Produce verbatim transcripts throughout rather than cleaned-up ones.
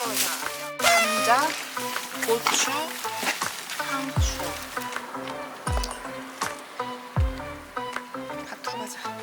자, 감자, 고추, 상추. 밥 가자.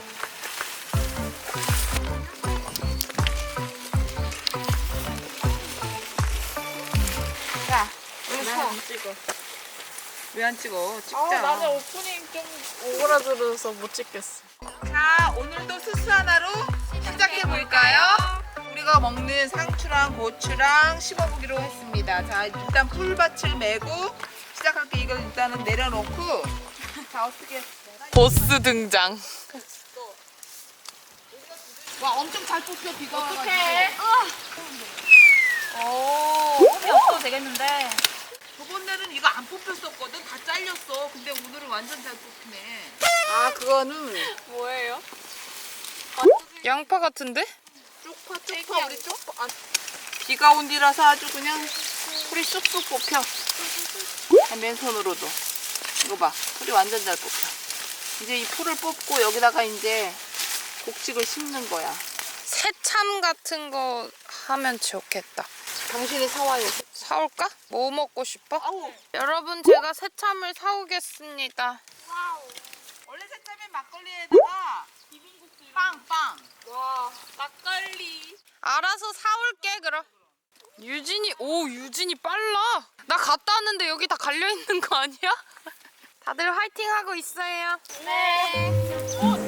자, 우리 소. 찍어. 왜 안 찍어? 찍자. 아, 나는 오프닝 좀 오그라들어서 못 찍겠어. 자, 오늘도 수수 하나로 시작해 볼까요? 우리가 먹는 상추랑 고추랑 씹어보기로 했습니다. 자, 일단 풀밭을 메고 시작할게. 이걸 일단은 내려놓고. 자, 어떻게? 보스 등장. 와, 엄청 잘 뽑혀 비가 와가지고. 어떡해. 오, 홈이 없어도 되겠는데. 저번에는 이거 안 뽑혔었거든. 다 잘렸어. 근데 오늘은 완전 잘 뽑히네. 아, 그거는 뭐예요? 양파 같은데? 쪽파, 쪽파, 우리 쪽파. 아, 비가 온 뒤라서 아주 그냥 풀이 쑥쑥 뽑혀. 아, 맨손으로도. 이거 봐. 풀이 완전 잘 뽑혀. 이제 이 풀을 뽑고 여기다가 이제 곡식을 심는 거야. 새참 같은 거 하면 좋겠다. 당신이 사와요. 사올까? 뭐 먹고 싶어? 아우. 여러분, 제가 새참을 사오겠습니다. 원래 새참에 막걸리에다가 빵, 빵. 와, 막걸리. 알아서 사올게, 그럼. 유진이, 오, 유진이 빨라. 나 갔다 왔는데 여기 다 갈려있는 거 아니야? 다들 화이팅 하고 있어요. 네.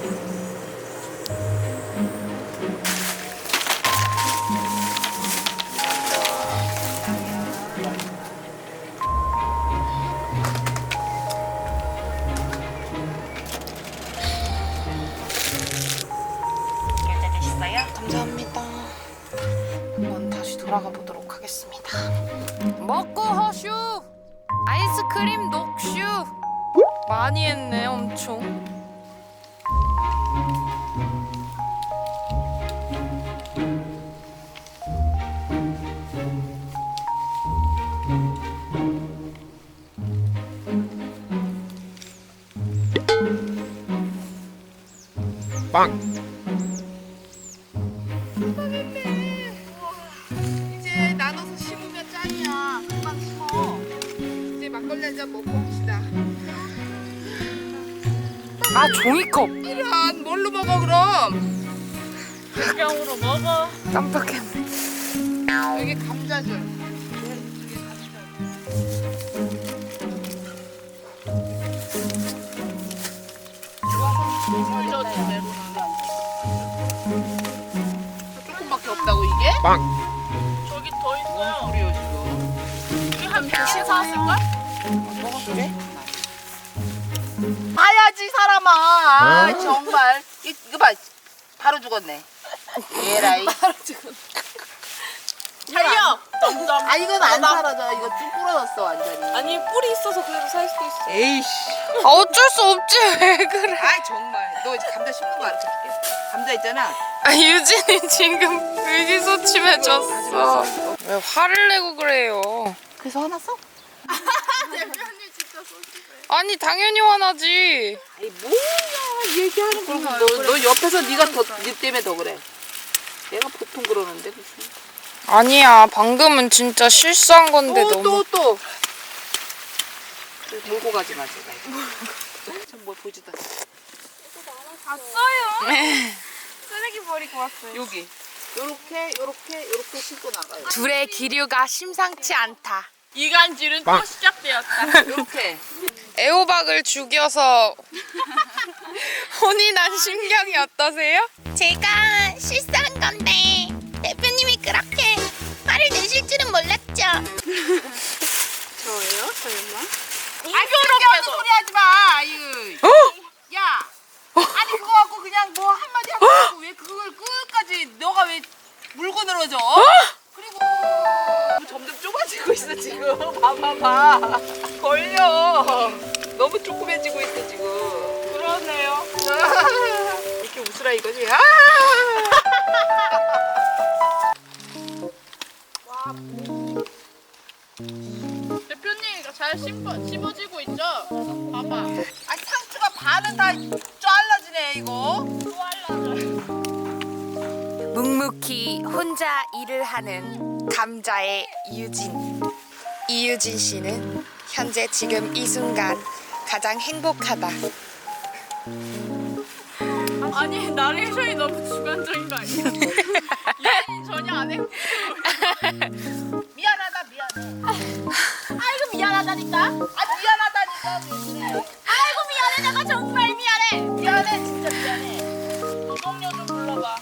결제되셨어요? 감사합니다. 한번 다시 돌아가 보도록 하겠습니다. 먹고 허슈! 아이스크림 녹슈! 많이 했네, 엄청. 이제 나눠서 심으면 짱이야. 금방 심어. 이제 막걸리 한 잔 먹고 합시다. 아, 종이컵! 이런 뭘로 먹어 그럼? 병으로 먹어. 깜빡했네. 여기 감자줄. 조금밖에 없다고 이게? 저기 더 있어요. 우리 지금. 우리 한 백 개 사왔을걸? 먹어 그래? 봐야지 사람아. 아, 정말. 이, 이거 봐. 바로 죽었네. 에라이. 바로 죽었네. 살려! 점점. 아 이건 안 사라져. 이거 쭉 부러졌어 완전히. 아니, 뿔이 있어서 그래도 살 수도 있어. 에이씨. 아, 어쩔 수 없지, 왜 그래. 아이 정말. 너 이제 감자 심는 거 알려줄게. 감자 있잖아. 아, 유진이 지금 의기소침해졌어. 왜 화를 내고 그래요? 그래서 화났어? 대표님 진짜 소심해. 아니, 당연히 화나지. 아이 뭐야 얘기하는 거. 너, 너 옆에서 네가 더네 때문에 더 그래. 내가 보통 그러는데 무슨. 아니야, 방금은 진짜 실수한 건데 또 너무. 또 또. 그래, 몰고 가지 마 제가. 전뭘 보지도 않아. 봤어요? 쓰레기 버리고 왔어요. 여기. 요렇게 요렇게 요렇게 신고 나가요. 둘의 기류가 심상치 않다. 이간질은 또 시작되었다. 요렇게. 애호박을 죽여서 혼이 난 심경이 어떠세요? 제가 실수한 건데 대표님이 그렇게 화를 내실 줄은 몰랐죠. 저예요? 설마? 아 그렇게 소리 하지 마. 아유. 야. 아니 그거 갖고 그냥 뭐 한마디 하고 왜 그걸 끝까지 너가 왜 물고 늘어져? 그리고 점점 좁아지고 있어 지금. 봐봐봐. 걸려. 너무 조그매지고 있어 지금. 그러네요. 이렇게 웃으라 이거지. 아! 대표님, 이거 잘 씹어, 씹어지고 있죠? 봐봐. 아니 상추가 반은 다 잘라지네 이거. 묵묵히 혼자 일을 하는 감자의 유진. 이유진 씨는 현재 지금 이 순간 가장 행복하다. 아니 나레이션이 너무 주관적인 거 아니야? 유진이 전혀 안 행복해. 미안하다 미안해. 아이고 미안하다니까. 아 미안하다니까. 왜 그래? 아이고 미안해 내가 정말 미안해. 미안해 진짜 미안해. 이동료 좀 불러봐.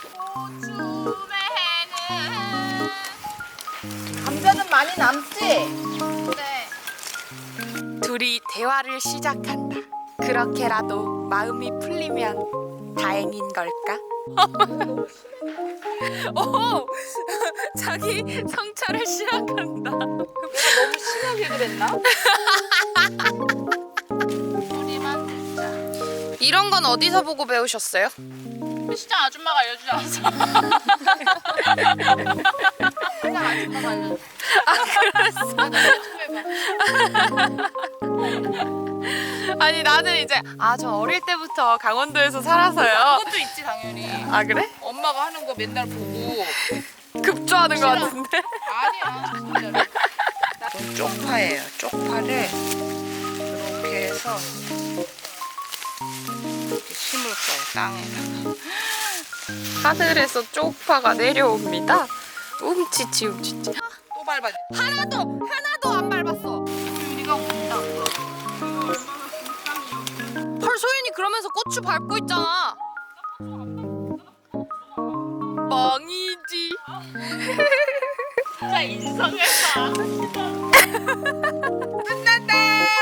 봄에는 감자는 많이 남지? 네. 둘이 대화를 시작한다. 그렇게라도 마음이 풀리면 다행인 걸까? 오, 자기 성찰을 시작한다. 너무 심하게 그랬나? 우리만 듣자. 이런 건 어디서 보고 배우셨어요? 시장 아줌마가 알려주지 않았어? 그냥 아줌마가 알려줘. 아니 나는 이제 아 저 어릴 때부터 강원도에서 살아서요. 그것도 있지 당연히. 아 그래? 엄마가 하는 거 맨날 보고. 급조하는 것 같은데. 아니야 진짜로. 이건 쪽파예요. 쪽파를 이렇게 해서 이렇게 심을 거예요 땅에다가. 하늘에서 쪽파가 내려옵니다. 움치치 움치치. 또 밟아. 하나도 하나도 안 밟았어. 우리가 온다. 헐 소윤이 그러면서 고추 밟고 있잖아. 멍이지. 진짜 인성했다. 끝났다.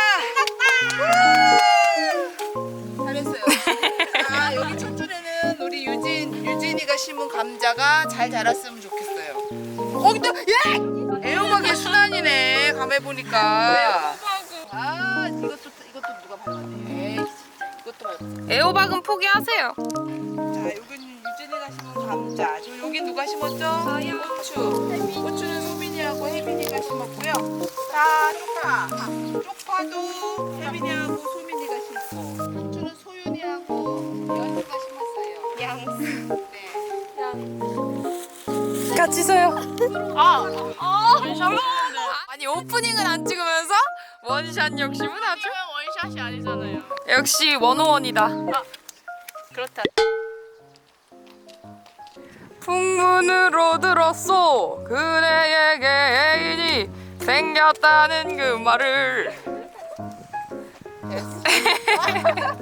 잘했어요. 아 여기 첫 줄에는 우리 유진 유진이가 심은 감자가 잘 자랐으면 좋겠어요. 거기도 예! 애호박의 순환이네. 감해 보니까. 아 이것도 이것도 누가 밟았네. 에이, 진짜 이것도 밟았어. 애호박은 포기하세요. 자, 여기는 유진이가 심은 감자. 저 여기 누가 심었죠? 고추. 고추는 소민이하고 혜빈이가 심었고요. 자, 쪽파. 쪽파도 혜빈이하고 소민이가 심고. 고추는 소윤이하고 연이가 심었어요. 양. 네. 같이 서요. 아, 아, 원샷 찍는데. 아니 오프닝은 안 찍으면서 원샷 욕심은 아주 원샷이 아니잖아요. 역시 원오원이다. 그렇다. 풍문으로 들었소 그대에게 애인이 생겼다는 그 말을. 여기는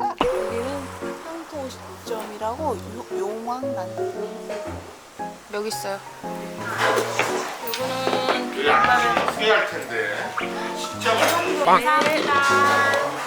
향토점이라고 용왕난. 여기 있어요. 여기 안 하면 후회할 텐데. 진짜 맛있는 감사합니다.